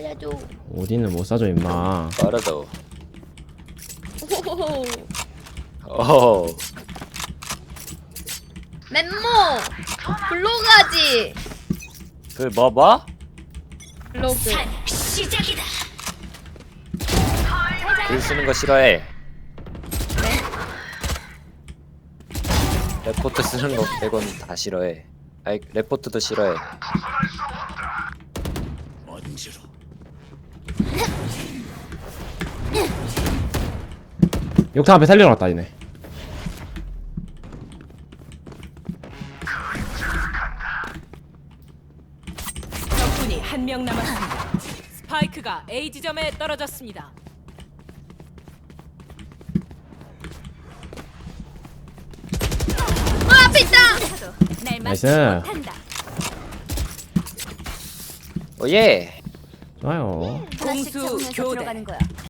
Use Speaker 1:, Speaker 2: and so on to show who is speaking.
Speaker 1: 살려줘.
Speaker 2: 오딘은 못 사줘 임마.
Speaker 3: 빠르다.
Speaker 1: 오호호호.
Speaker 3: 어.
Speaker 1: 멤모 블로그하지.
Speaker 3: 그 뭐?
Speaker 1: 블로그.
Speaker 4: 시작이다.
Speaker 3: 글 쓰는 거 싫어해.
Speaker 1: 네.
Speaker 3: 레포트 쓰는 거 빼곤 다 싫어해. 아이 레포트도 싫어해.
Speaker 2: 욕탕 앞에 살리러 갔다 이네.
Speaker 4: 적군이 한 명 남았습니다. 스파이크가 A 지점에 떨어졌습니다.
Speaker 1: 앞에 있다.
Speaker 4: 날
Speaker 2: 나이스.
Speaker 4: 막지 못한다.
Speaker 3: 오예.
Speaker 2: 좋아요.
Speaker 4: 공수 교대.
Speaker 1: 거야.